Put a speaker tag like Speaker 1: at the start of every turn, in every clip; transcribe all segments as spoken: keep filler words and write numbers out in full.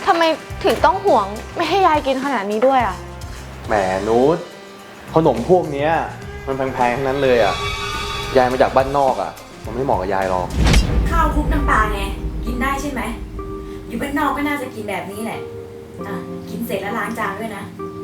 Speaker 1: ทำไมถึงต้องห่วงไม่ให้ยายกินขนาดนี้ด้วยอ่ะ
Speaker 2: แหมนูตขนมพวกเนี้ยมันแพงๆทั้งนั้นเลยอ่ะยายมาจากบ้านนอกอ่ะมันไม่เหมาะกับยายหรอก
Speaker 3: ข้าวคลุกน้ำปลาไงกินได้ใช่ไหมอยู่บ้านนอกก็น่าจะกินแบบนี้แหละอ่ะกินเสร็จแล้วล้างจานด้วยนะ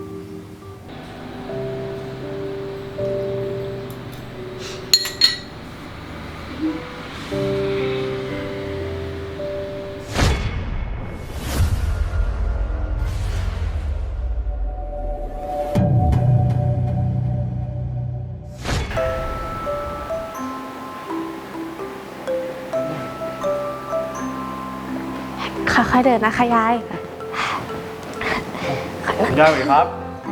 Speaker 1: ค่อยๆเดินนะคะยาย
Speaker 2: ยายสวัสดีครับ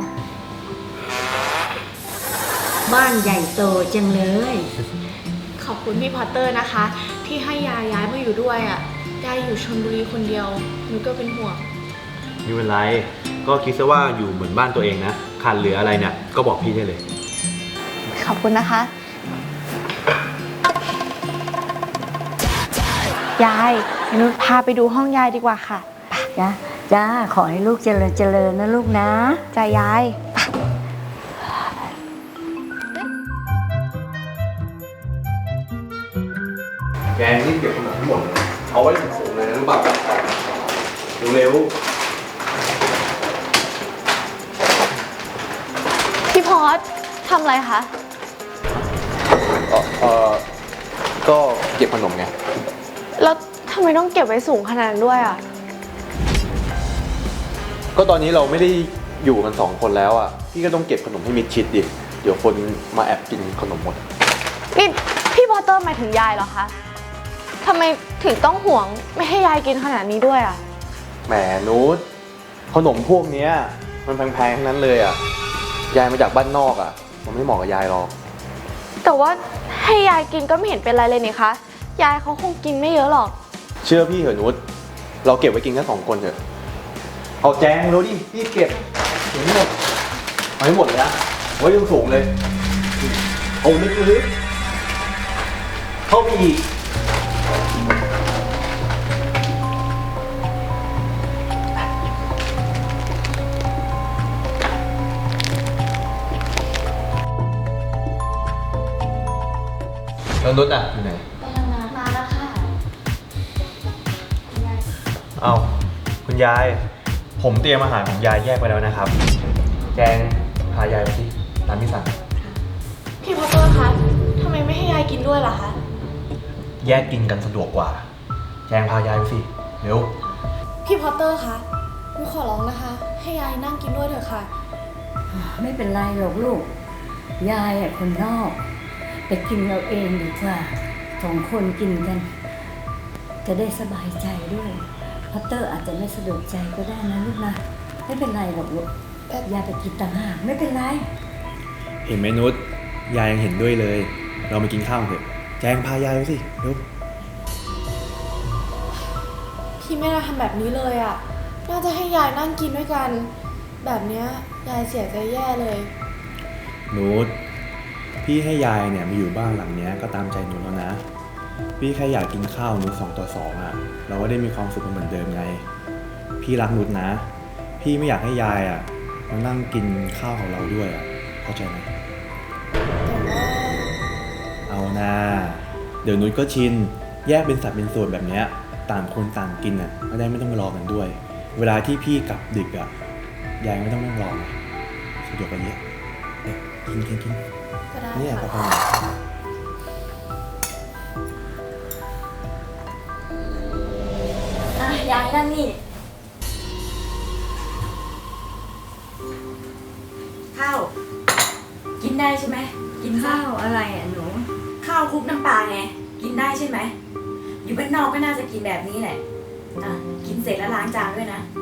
Speaker 3: บ้านใหญ่โตจังเลย
Speaker 1: ขอบคุณพี่พอตเตอร์นะคะที่ให้ยายย้ายมาอยู่ด้วยอ่ะยายอยู่ชลบุรีคนเดียวหนูก็เป็นห่วง
Speaker 2: ไม่เป็นไรก็คิดซะว่าอยู่เหมือนบ้านตัวเองนะขาดเหลืออะไรเนี่ยก็บอกพี่ได้เลย
Speaker 1: ขอบคุณนะคะยายนุชพาไปดูห้องยายดีกว่าค่ะ
Speaker 4: จ้าจ้าขอให้ลูกเจริญเจริญนะลูกนะ
Speaker 1: จ้ายาย
Speaker 2: แกนี่เก็บขนมทั้งหมดเอาไว้สูงๆเลยนะรู้ป่ะเร็ว
Speaker 1: พี่พอสทำอะไรคะ
Speaker 2: เออเออก็เก็บขนมไง
Speaker 1: แล้วทำไมต้องเก็บไว้สูงขนาดนั้นด้วยอ่ะ
Speaker 2: ก็ตอนนี้เราไม่ได้อยู่กันสองคนแล้วอ่ะพี่ก็ต้องเก็บขนมให้มิดชิดดิเดี๋ยวคนมาแอบกินขนมหมด
Speaker 1: นี่พี่พอตเตอร์หมายถึงยายเหรอคะทำไมถึงต้องห่วงไม่ให้ยายกินขนาดนี้ด้วยอ่ะ
Speaker 2: แหมนูตขนมพวกเนี้ยมันแพงๆทั้งนั้นเลยอ่ะยายมาจากบ้านนอกอ่ะมันไม่เหมาะกับยายหรอก
Speaker 1: แต่ว่าให้ยายกินก็ไม่เห็นเป็นไรเลยนี่คะยายเขาคงกินไม่เยอะหรอก
Speaker 2: เชื่อพี่เหอะนุชเราเก็บไว้กินแค่สองคนเถอะเอาแจงรู้ดิพี่เก็บถึงหมดเอาให้หมดเลยนะไว้ยังสูงเลยเอาลึกๆเข้าไปอีกแล้วนุชอ่ะอยู่ไหน
Speaker 1: มาแล้วค่ะ
Speaker 2: เอาคุณยายผมเตรียมอาหารของยายแยกไปแล้วนะครับแจงพายายไปสิตามที่สั่ง
Speaker 1: พี่พอตเตอร์คะทำไมไม่ให้ยายกินด้วยล่ะคะ
Speaker 2: แยกกินกันสะดวกกว่าแจงพายายไปสิเร็ว
Speaker 1: พี่พอตเตอร์คะหนูขอร้องนะคะให้ยายนั่งกินด้วยเถอะค่ะ
Speaker 4: ไม่เป็นไรหรอกลูกยายอ่ะคนนอกไปกินเราเองดีกว่าสองคนกินกันจะได้สบายใจด้วยพัตเตอร์อาจจะไม่สะดวกใจก็ได้นะลูกนะไม่เป็นไรหรอกลูกยายไปกินต่างหากไม่เป็นไร
Speaker 2: เห็นไหมนุชยายยังเห็นด้วยเลยเรามากินข้าวเถอะแจงพายายไปสิเร็ว
Speaker 1: พี่ไม่น่าทำแบบนี้เลยอ่ะน่าจะให้ยายนั่งกินด้วยกันแบบเนี้ยยายเสียใจแย่เลย
Speaker 2: นุชพี่ให้ยายเนี่ยมาอยู่บ้านหลังนี้ก็ตามใจนุชแล้วนะพี่แค่อยากกินข้าวนุชสองต่อสองอ่ะเราก็ได้มีความสุขเหมือนเดิมไงพี่รักนุชนะพี่ไม่อยากให้ยายอ่ะมานั่งกินข้าวของเราด้วยอ่ะเข้าใจไหมเอานะเดี๋ยวนุชก็ชินแยกเป็นสัดเป็นส่วนแบบนี้ต่างคนต่างกินอ่ะก็ได้ไม่ต้องมารอกันด้วยเวลาที่พี่กลับดึกอ่ะยายไม่ต้องนั่งรอสะดวกกันเยอะกินกินกินเนี่ยกาแฟ
Speaker 3: ยายนั่งนี่ข้าวกินได้ใช่ไหมกิน
Speaker 4: ข้าวอะไรอ่ะหนู
Speaker 3: ข้าวคลุกน้ำปลาไงกินได้ใช่ไหมอยู่บ้านนอกก็น่าจะกินแบบนี้แหละอ่ะกินเสร็จแล้วล้างจานด้วยนะ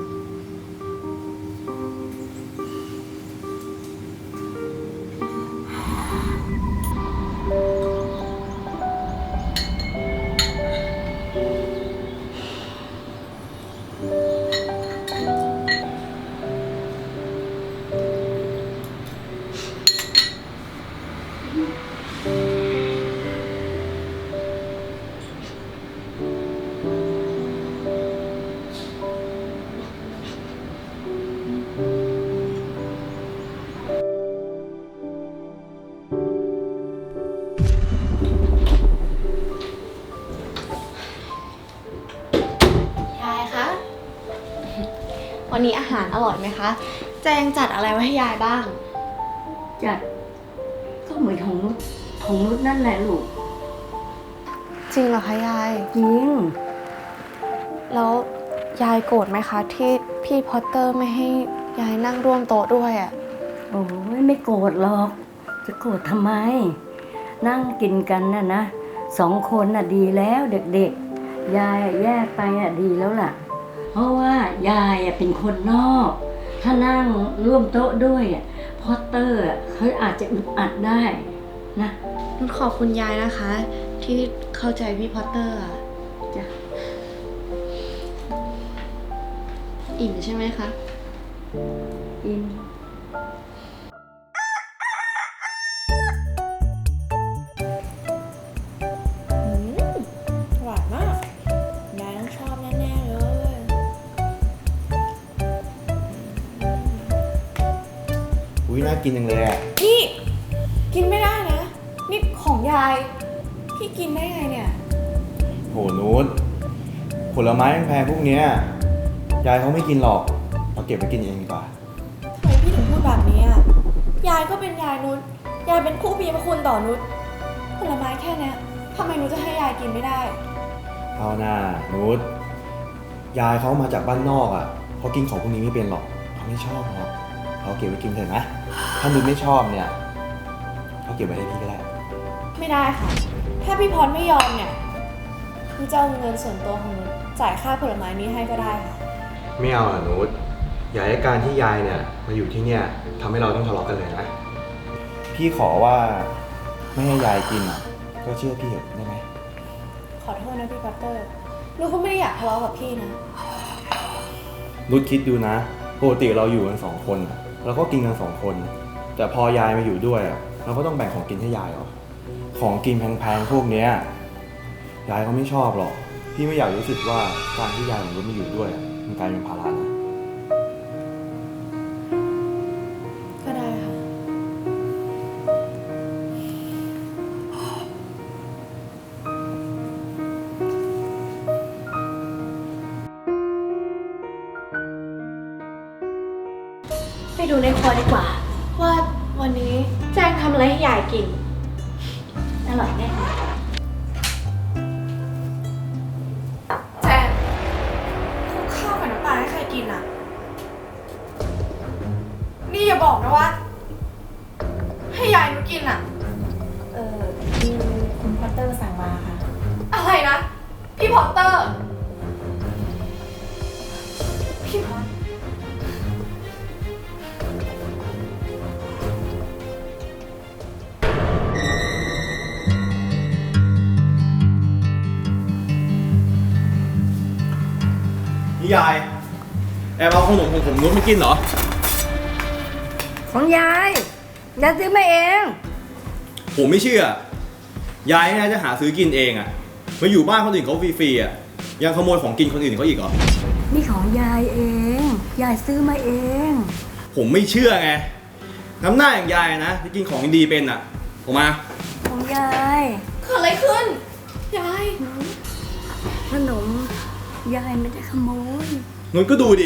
Speaker 1: วันนี้อาหารอร่อยไหมคะ แจงจัดอะไรไว้ให้ยายบ้าง
Speaker 4: จัดก็เหมือนของนุชของนุชนั่นแหละลูก
Speaker 1: จริงเหรอคะยาย
Speaker 4: จริง
Speaker 1: แล้วยายโกรธไหมคะ ที่พี่พอตเตอร์ไม่ให้ยายนั่งร่วมโต๊ะด้วยอะ
Speaker 4: โอ้ยไม่โกรธหรอก จะโกรธทำไม นั่งกินกันน่ะนะสองคนน่ะดีแล้วเด็กๆ ยายอะแยกไปอ่ะดีแล้วล่ะ เพราะว่ายายอ่ะเป็นคนนอก ถ้านั่งร่วมโต๊ะด้วยอ่ะพอตเตอร์อ่ะเขาอาจจะอึดอัดได้นะ
Speaker 1: นุชขอบคุณยายนะคะ ที่เข้าใจพี่พอตเตอร์อะ
Speaker 4: จ้ะ
Speaker 1: อิ่มใช่ไหมคะ
Speaker 4: อิน
Speaker 1: หวานมากยายต้องชอบแน่ๆเลย
Speaker 2: อุ้ยน่ากินจังเลยอ่ะ
Speaker 1: นี่กินไม่ได้นะ นี่ของยาย พี่กินได้ไงเนี่ย
Speaker 2: โหนุชผลไม้แพงๆพวกเนี้ยยายเขาไม่กินหรอกเราเก็บไว้กินเองดีกว่า
Speaker 1: ทำไมพี่ถึงพูดแบบนี้อ่ะ ยายก็เป็นยายนุช ยายเป็นผู้มีพระคุณต่อนุช ผลไม้แค่เนี้ยทำไมนุชจะให้ยายกินไม่ได้
Speaker 2: เอาหน้านุชยายเขามาจากบ้านนอกอ่ะเขากินของพวกนี้ไม่เป็นหรอกเขาไม่ชอบหรอกเขาเก็บไว้กินเถอะนะถ้านุชไม่ชอบเนี่ยเขาเก็บไว้ให้พี่ก็ได้
Speaker 1: ไม่ได้ค่ะ ถ้าพี่พรไม่ยอมเนี่ยนุชจะเอาเงินส่วนตัวของนุชจ่ายค่าผลไม้นี้ให้ก็ได้ค่ะ
Speaker 2: ไม่เอาอ่ะนุชอย่าให้การที่ยายเนี่ยมาอยู่ที่เนี่ยทำให้เราต้องทะเลาะกันเลยนะพี่ขอว่าไม่ให้ยายกินอ่ะก็เชื่อพี่เถอะได้ไหม
Speaker 1: ขอโทษนะพี่ปัตเตอร์นุชก็ไม่ได้อยากทะเลาะกับพี่นะ
Speaker 2: นุชคิดดูนะปกติเราอยู่กันสองคนอะเราก็กินกันสองคน แต่พอยายมาอยู่ด้วยอะเราก็ต้องแบ่งของกินให้ยายเหรอของกินแพงๆพวกเนี้ยยายเขาไม่ชอบหรอกพี่ไม่อยากรู้สึกว่าการที่ยายของนุชมาอยู่ด้วยอะมันกลายเป็นภาระนะ
Speaker 1: ก็ได้ค่ะ ไปดูในครัวดีกว่า ว่าวันนี้แจ้งทำอะไรให้ยายกิน
Speaker 4: อร่อยแน่
Speaker 1: แจ้งคลุกข้าวกับน้ำปลาให้ใครกินอ่ะ นี่อย่าบอกนะว่า ให้ยายนุชกินอ่ะ
Speaker 3: เออคือคุณพอตเตอร์สั่งมาค่ะ
Speaker 1: อะไรนะ พี่พอตเตอร์ พี่พอต
Speaker 2: นี่ยายแอบเอาขนมของผมนุชไม่กินเหรอ
Speaker 4: ของยายยายซื้อมาเอง
Speaker 2: ผมไม่เชื่อยายน่าจะหาซื้อกินเองอะมาอยู่บ้านคนอื่นเขาฟรีๆอะยังขโมยของกินคนอื่นเขาอีกเหรอ
Speaker 4: นี่ของยายเอง ยายซื้อมาเอง
Speaker 2: ผมไม่เชื่อไงน้ำหน้าอย่างยายนะที่กินของดีเป็นอะออกมา
Speaker 4: ของยาย
Speaker 1: เกิดอะไรขึ้น ยาย
Speaker 4: ขนมยายไม่ได้ขโมย
Speaker 2: นุชก็ดูดิ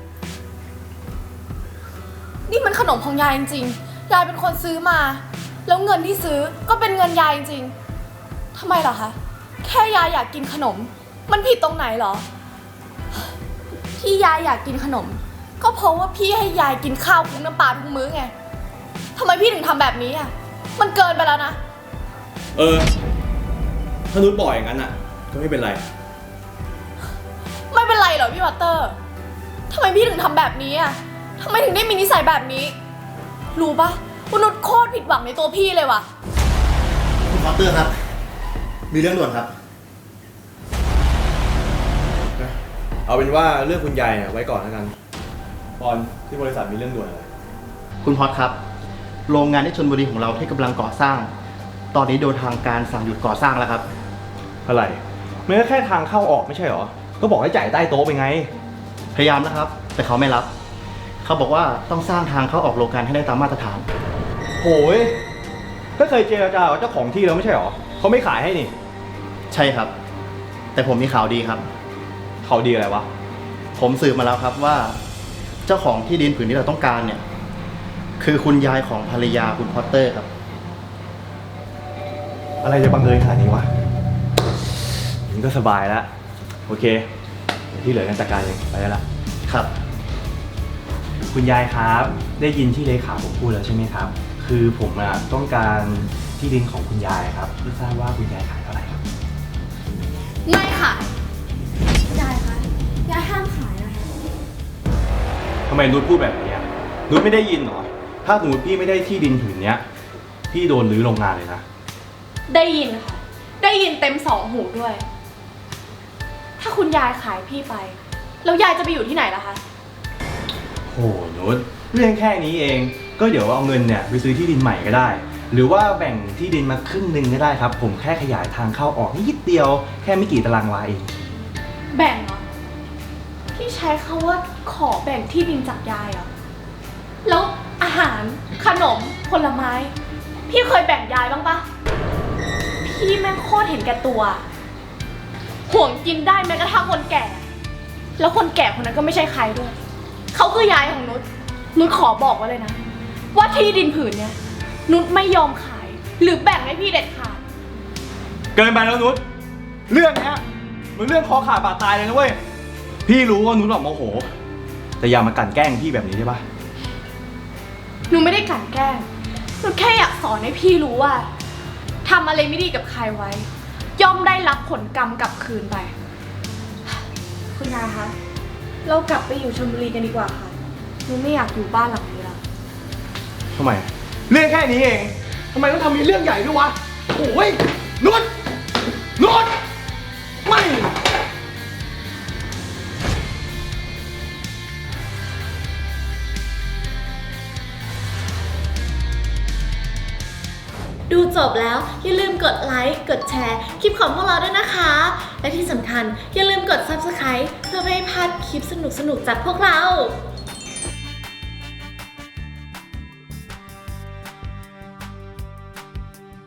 Speaker 1: นี่มันขนมของยายจริงๆ ยายเป็นคนซื้อมา แล้วเงินที่ซื้อก็เป็นเงินยายจริงๆทำไมเหรอคะ แค่ยายอยากกินขนม มันผิดตรงไหนเหรอ ที่ยายอยากกินขนม ก็เพราะว่าพี่ให้ยายกินข้าวคลุกน้ำปลาทุกมื้อไงทำไมพี่ถึงทำแบบนี้อ่ะ มันเกินไปแล้วนะ
Speaker 2: เออถ้านุชบอกอย่างนั้นอะก็ไม่เป็นไร
Speaker 1: ไม่เป็นไรเหรอพี่วัตเตอร์ทำไมพี่ถึงทำแบบนี้อ่ะทำไมถึงได้มีนิสัยแบบนี้ รู้ปะว่านุชโคตรผิดหวังในตัวพี่เลยว่ะ
Speaker 5: คุณพอตเตอร์ครับ มีเรื่องด่วนครับ
Speaker 2: เอาเป็นว่าเรื่องคุณยายเนี่ยไว้ก่อนแล้วกันบอลที่บริษัทมีเรื่องด่วนอะไร
Speaker 5: คุณพอตครับ โรงงานที่ชลบุรีของเราที่กำลังก่อสร้าง ตอนนี้โดนทางการสั่งหยุดก่อสร้างแล้วครับ
Speaker 2: อะไรมันก็แค่ทางเข้าออกไม่ใช่เหรอ ก็บอกให้จ่ายใต้โต๊ะไปไง
Speaker 5: พยายามนะครับ แต่เขาไม่รับ เขาบอกว่าต้องสร้างทางเข้าออกโรงงานให้ได้ตามมาตรฐาน
Speaker 2: โหยก็เคยเจรจากับเจ้าของที่แล้วไม่ใช่เหรอเขาไม่ขายให้นี่
Speaker 5: ใช่ครับ แต่ผมมีข่าวดีครับ
Speaker 2: เขาดีอะไรวะ
Speaker 5: ผมสืบมาแล้วครับว่าเจ้าของที่ดินผืนที่เราต้องการเนี่ย คือคุณยายของภรรยาคุณพอตเตอร์ครับ
Speaker 2: อะไรจะบังเอิญขนาดนี้วะนี่ก็สบายแล้ว โอเคเดี๋ยวที่เหลือกันจัดการเองไปแล้วล่ะ
Speaker 5: ครับ
Speaker 2: คุณยายครับ ได้ยินที่เลขาผมพูดแล้วใช่ไหมครับ คือผมอะต้องการที่ดินของคุณยายครับไม่ทราบว่าคุณยายขายเท่าไหร่ครับ
Speaker 1: ไม่ขายยายคะยายห้ามขายนะคะ
Speaker 2: ทำไมนุชพูดแบบนี้อะนุชไม่ได้ยินเหรอ ถ้าสมมติพี่ไม่ได้ที่ดินผืนเนี้ย พี่โดนรื้อโรงงานเลยนะ
Speaker 1: ได้ยินค่ะ ได้ยินเต็มสองหูด้วย ถ้าคุณยายขายพี่ไป แล้วยายจะไปอยู่ที่ไหนล่ะคะ
Speaker 2: โหนุชเรื่องแค่นี้เอง ก็เดี๋ยวเอาเงินเนี่ยไปซื้อที่ดินใหม่ก็ได้ หรือว่าแบ่งที่ดินมาครึ่งหนึ่งก็ได้ครับ ผมแค่ขยายทางเข้าออกนิดเดียว แค่ไม่กี่ตารางวาเอง
Speaker 1: แบ่งเหรอ พี่ใช้คำว่าขอแบ่งที่ดินจากยายเหรอ แล้วอาหารขนมผลไม้ พี่เคยแบ่งยายบ้างปะพี่แม่งโคตรเห็นแก่ตัว ห่วงกินได้แม้กระทั่งคนแก่ แล้วคนแก่คนนั้นก็ไม่ใช่ใครด้วย เขาคือยายของนุช นุชขอบอกไว้เลยนะ ว่าที่ดินผืนเนี้ยนุชไม่ยอมขาย หรือแบ่งให้พี่เด็ดขาด
Speaker 2: เกินไปแล้วนุชเรื่องเนี้ยมันเรื่องคอขาดบาดตายเลยนะเว้ย พี่รู้ว่านุชหลอกโมโห แต่อย่ามากลั่นแกล้งพี่แบบนี้ได้ปะ
Speaker 1: หนูไม่ได้กลั่นแกล้งหนูแค่อยากสอนให้พี่รู้ว่าทำอะไรไม่ดีกับใครไว้ ย่อมได้รับผลกรรมกลับคืนไป คุณยายคะ เรากลับไปอยู่ชลบุรีกันดีกว่าค่ะ หนูไม่อยากอยู่บ้านหลังนี้แล้ว
Speaker 2: ทำไม เรื่องแค่นี้เอง ทำไมต้องทำมีเรื่องใหญ่ด้วยวะ โอ้ยนุชนุชไม่
Speaker 6: ดูจบแล้วอย่าลืมกดไลค์ กดแชร์คลิปของพวกเราด้วยนะคะ และที่สำคัญอย่าลืมกด ซับสไครบ์ เพื่อไม่ให้พลาดคลิปสนุกๆจากพวกเรา